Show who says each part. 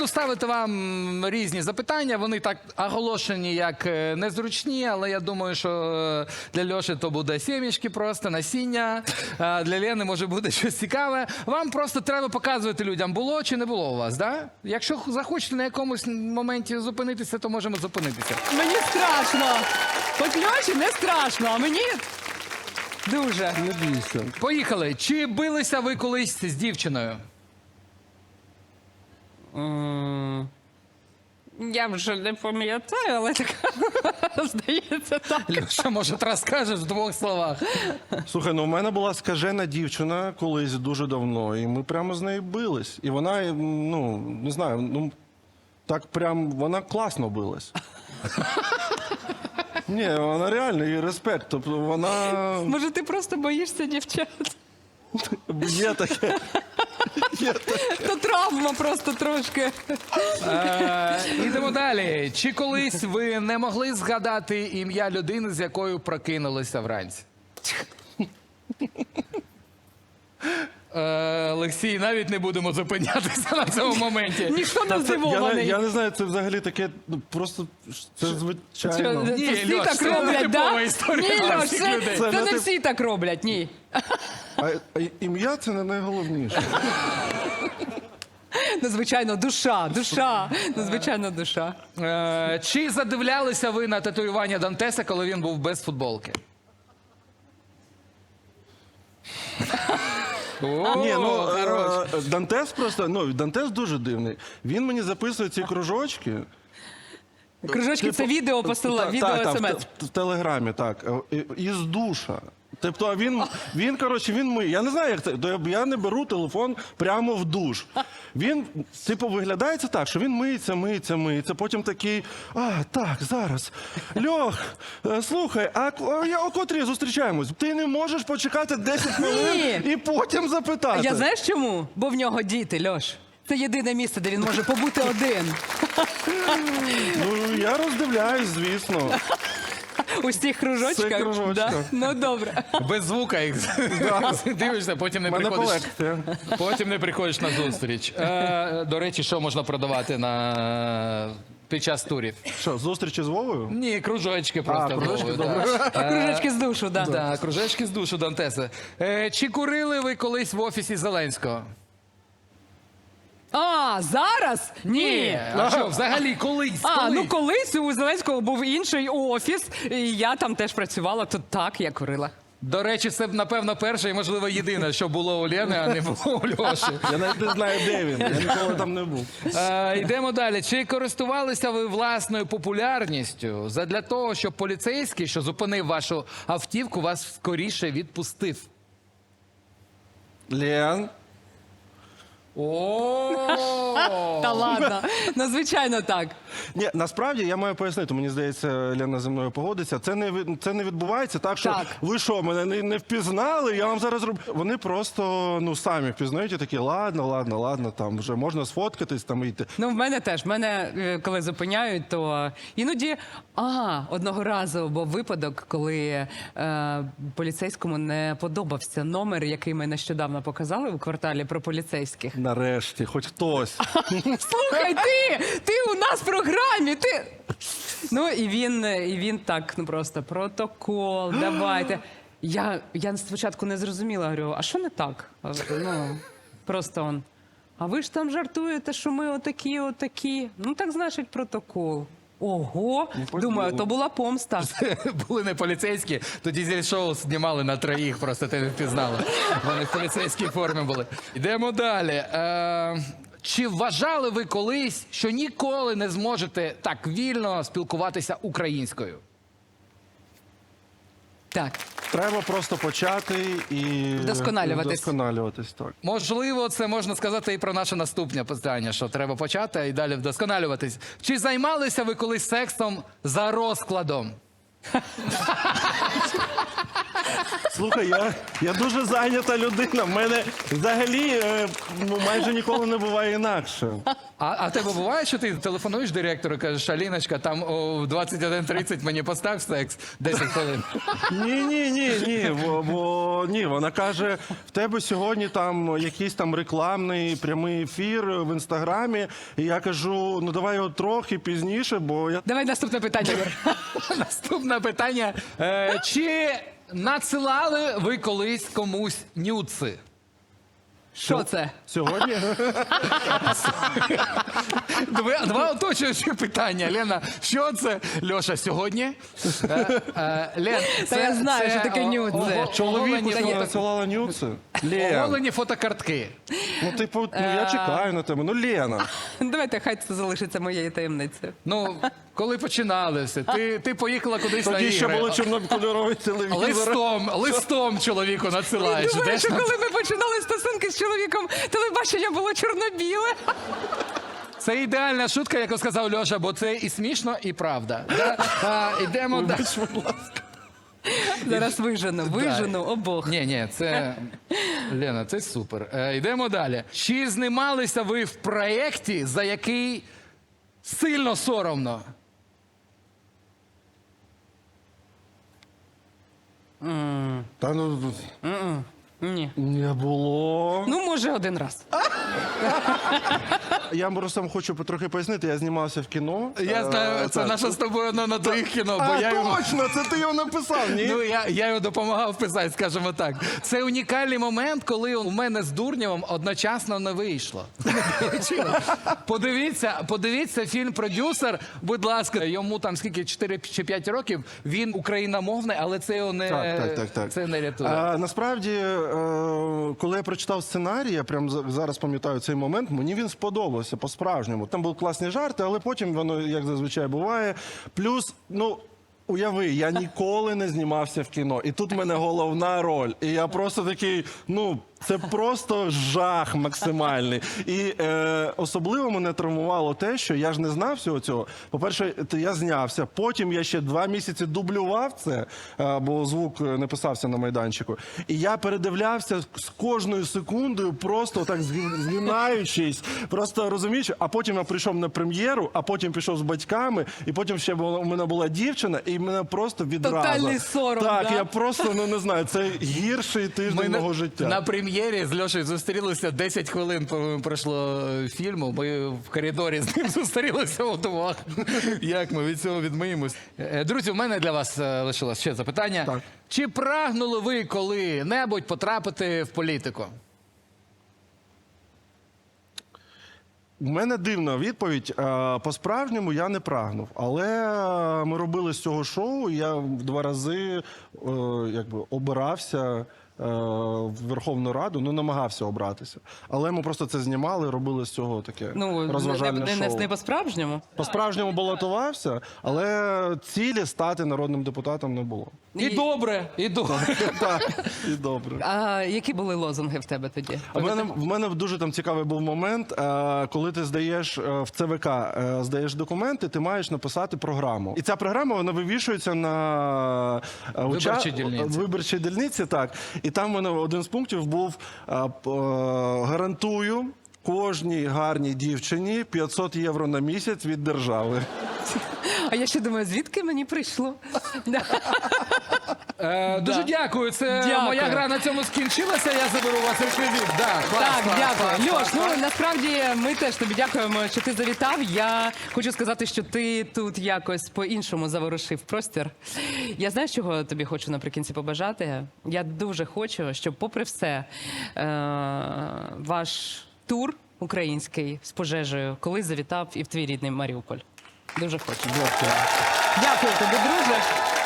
Speaker 1: ставити вам різні запитання. Вони так оголошені як незручні, але я думаю, що для Льоші то буде сімечки просто, насіння. А для Лени може буде щось цікаве. Вам просто треба показувати людям, було чи не було у вас, да? Якщо захочете на якомусь моменті зупинитися, то можемо зупинитися.
Speaker 2: Мені страшно. От Льоші не страшно, а мені дуже.
Speaker 3: Не бійся.
Speaker 1: Поїхали. Чи билися ви колись з дівчиною?
Speaker 2: Я вже не пам'ятаю, але так здається так.
Speaker 1: Льоша, може, розкажеш в двох словах?
Speaker 3: Слухай, ну в мене була скажена дівчина колись дуже давно, і ми прямо з нею бились. І вона, ну, не знаю, ну, так прям, вона класно билась. Ні, вона реально, їй респект. Тобто вона...
Speaker 2: Може, ти просто боїшся дівчат?
Speaker 3: Є таке.
Speaker 2: То травма просто трошки.
Speaker 1: Ідемо далі. Чи колись ви не могли згадати ім'я людини, з якою прокинулися вранці? Олексій, навіть не будемо зупинятися на цьому моменті.
Speaker 2: Ніхто не здивований.
Speaker 3: Я не знаю, це взагалі таке, ну, просто, це звичайно.
Speaker 1: Ні,
Speaker 2: Це всі
Speaker 1: Льош,
Speaker 2: так
Speaker 1: це не
Speaker 2: роблять,
Speaker 1: типова
Speaker 2: да?
Speaker 1: історія
Speaker 2: Ні,
Speaker 1: для
Speaker 2: Льош,
Speaker 1: всіх
Speaker 2: це
Speaker 1: людей.
Speaker 3: Це
Speaker 2: не
Speaker 3: не
Speaker 2: всі так роблять, ні.
Speaker 3: А ім'я це не найголовніше.
Speaker 2: Ну, звичайно, душа. Ну, звичайно, душа.
Speaker 1: Чи задивлялися ви на татуювання Дантеса, коли він був без футболки?
Speaker 3: Ні, ну, Дантес просто, ну, Дантес дуже дивний. Він мені записує ці кружочки.
Speaker 2: Кружочки, це відео посилає, відео
Speaker 3: Так,
Speaker 2: смс.
Speaker 3: в Телеграмі, так. Із душа. Тобто він, коротше, він миє. Я не знаю, як це. Я не беру телефон прямо в душ. Він, типу, виглядає це так, що він миється. Потім такий, так, зараз. Льох, слухай, а о котрій зустрічаємось? Ти не можеш почекати 10 хвилин і потім запитати.
Speaker 2: Я знаєш чому? Бо в нього діти, Льош. Це єдине місце, де він може побути один.
Speaker 3: Ну, я роздивляюсь, звісно.
Speaker 2: У цих кружочках?
Speaker 3: Це кружочках.
Speaker 2: Да? Ну, добре.
Speaker 1: Без звука їх дивишся, потім не
Speaker 3: У мене
Speaker 1: приходиш.
Speaker 3: колекція.
Speaker 1: Потім не приходиш на зустріч. До речі, що можна продавати під час турів?
Speaker 3: Що, зустрічі з Вовою?
Speaker 1: Ні, кружочки просто.
Speaker 3: кружочки,
Speaker 1: Вовою, да.
Speaker 2: Кружочки з душу, да.
Speaker 1: Так, кружечки з душу Дантеса. Чи курили ви колись в офісі Зеленського?
Speaker 2: А, зараз? Ні.
Speaker 1: А що, взагалі, колись?
Speaker 2: Ну колись у Зеленського був інший офіс, і я там теж працювала, то так, я курила.
Speaker 1: До речі, це, напевно, перше і, можливо, єдине, що було у Лєни, а не було у Льоші.
Speaker 3: Я навіть не знаю, де він. Я ніколи там не був.
Speaker 1: Йдемо далі. Чи користувалися ви власною популярністю задля того, щоб поліцейський, що зупинив вашу автівку, вас скоріше відпустив?
Speaker 3: Лен.
Speaker 2: Та ладно, ну звичайно так.
Speaker 3: Ні, насправді я маю пояснити, мені здається, Лена зі мною погодиться. Це не відбувається так, що
Speaker 2: Так.
Speaker 3: ви що, мене не впізнали, я вам зараз роблю. Вони просто самі впізнають і такі, ладно, там вже можна сфоткатись, там йти.
Speaker 2: Ну, в мене теж. Мене, коли зупиняють, то іноді... одного разу був випадок, коли поліцейському не подобався номер, який ми нещодавно показали у кварталі про поліцейських.
Speaker 3: Нарешті, хоч хтось.
Speaker 2: Слухай, ти у нас в програмі, ти... Ну, і він так, ну просто протокол, давайте. Я спочатку не зрозуміла, говорю, а що не так? Ну, просто он. А ви ж там жартуєте, що ми отакі. Ну, так значить протокол. Ого, думаю, то була помста.
Speaker 1: Були не поліцейські, то дізель-шоу знімали на троїх, просто ти не впізнала. Вони в поліцейській формі були. Йдемо далі. Чи вважали ви колись, що ніколи не зможете так вільно спілкуватися українською?
Speaker 2: Так.
Speaker 3: Треба просто почати і
Speaker 2: Вдосконалюватись.
Speaker 3: так.
Speaker 1: Можливо, це можна сказати і про наше наступне питання, що треба почати і далі вдосконалюватись. Чи займалися ви колись сексом за розкладом?
Speaker 3: Слухай, я дуже зайнята людина. В мене взагалі майже ніколи не буває інакше.
Speaker 1: А тебе буває, що ти телефонуєш директору і кажеш, Аліночка, там о 21:30 мені постав секс 10 хвилин.
Speaker 3: Ні, вона каже, в тебе сьогодні там якийсь там рекламний прямий ефір в інстаграмі. І я кажу, ну давай його трохи пізніше, бо я
Speaker 2: Давай наступне питання, Юр.
Speaker 1: Наступне питання. Чи надсилали ви колись комусь нюци?
Speaker 2: Що це?
Speaker 3: сьогодні.
Speaker 1: Два оточуючі питання. Лена, що це? Льоша, сьогодні? Лен,
Speaker 2: Та я знаю, що таке нюци.
Speaker 3: Чоловіку
Speaker 1: оголені,
Speaker 3: надсилала нюци. Лен,
Speaker 1: оголені фотокартки.
Speaker 3: ну типу, я чекаю на тебе. Ну, Лена.
Speaker 2: Давайте, хай це залишиться моєю таємницею.
Speaker 1: Ну, коли починалися, ти поїхала кудись на
Speaker 3: Тоді ще
Speaker 1: ігри.
Speaker 3: було чорнокольоровий телевізор.
Speaker 1: Листом чоловіку надсилаєш.
Speaker 2: Думаю,
Speaker 1: Йдеш
Speaker 2: що
Speaker 1: на-
Speaker 2: коли ми починали стосунки з чоловіком, телебачення було чорно-біле.
Speaker 1: Це ідеальна шутка, яку сказав Льоша, бо це і смішно, і правда. Да? Ідемо далі.
Speaker 2: Зараз вижену обох.
Speaker 1: Ні, це Лена, це супер. Йдемо далі. Чи знімалися ви в проєкті, за який сильно соромно?
Speaker 3: Та ну
Speaker 2: Ні.
Speaker 3: не було.
Speaker 2: Ну, може, один раз.
Speaker 3: Я просто хочу трохи пояснити. Я знімався в кіно.
Speaker 1: Я знаю, це
Speaker 3: так.
Speaker 1: наше з тобою одно на твоїх кіно, бо я його...
Speaker 3: Точно, це ти його написав, ні?
Speaker 1: Ну, я його допомагав писати, скажімо так. Це унікальний момент, коли у мене з Дурнєвим одночасно не вийшло. Подивіться фільм «Продюсер», будь ласка, йому там скільки, 4 чи 5 років, він україномовний, але це його не,
Speaker 3: Так.
Speaker 1: Це не рятує.
Speaker 3: Насправді, коли я прочитав сценарій, я прямо зараз пам'ятаю цей момент, мені він сподобався по-справжньому. Там були класні жарти, але потім воно, як зазвичай буває. Плюс, ну, уяви, я ніколи не знімався в кіно. І тут в мене головна роль. І я просто такий, ну, це просто жах максимальний. І особливо мене травмувало те, що я ж не знав всього цього. По-перше, я знявся, потім я ще 2 місяці дублював це, бо звук не писався на майданчику. І я передивлявся з кожною секундою, просто так згинаючись, просто розумієш, а потім я прийшов на прем'єру, а потім пішов з батьками, і потім ще у мене була дівчина, і мене просто відразу.
Speaker 2: Тотальний сором,
Speaker 3: Так,
Speaker 2: да?
Speaker 3: я просто, ну не знаю, це гірший тиждень мого життя.
Speaker 1: На прем'єрі з Льошею зустрілися, 10 хвилин пройшло фільму, ми в коридорі з ним зустрілися удвох. Як ми від цього відмиємось? Друзі, у мене для вас лишилось ще запитання.
Speaker 3: Так.
Speaker 1: Чи прагнули ви коли-небудь потрапити в політику?
Speaker 3: У мене дивна відповідь. По-справжньому я не прагнув. Але ми робили з цього шоу, і я 2 рази якби обирався в Верховну Раду, ну намагався обратися. Але ми просто це знімали, робили з цього таке розважальне шоу.
Speaker 2: Не по-справжньому?
Speaker 3: По-справжньому балотувався, але цілі стати народним депутатом не було.
Speaker 1: І добре, і добре.
Speaker 3: Так, і добре.
Speaker 2: А які були лозунги в тебе тоді?
Speaker 3: В мене дуже там цікавий був момент, коли ти здаєш в ЦВК, здаєш документи, ти маєш написати програму. І ця програма, вона вивішується на
Speaker 1: Виборчій дільниці.
Speaker 3: виборчій дільниці, так. І там в мене один з пунктів був гарантую кожній гарній дівчині 500 євро на місяць від держави.
Speaker 2: А я ще думаю, звідки мені прийшло?
Speaker 1: Дуже дякую. Це
Speaker 2: Дякую.
Speaker 1: моя гра на цьому скінчилася. Я заберу у вас реквізит. Да, клас,
Speaker 2: Так,
Speaker 1: клас,
Speaker 2: дякую.
Speaker 1: клас,
Speaker 2: Льош,
Speaker 1: клас.
Speaker 2: ну насправді ми теж тобі дякуємо, що ти завітав. Я хочу сказати, що ти тут якось по-іншому заворушив простір. Я знаю, чого тобі хочу наприкінці побажати. Я дуже хочу, щоб попри все ваш тур український з пожежею колись завітав і в твій рідний Маріуполь. Дуже хочу.
Speaker 3: Дякую.
Speaker 2: Дякую тобі, друже.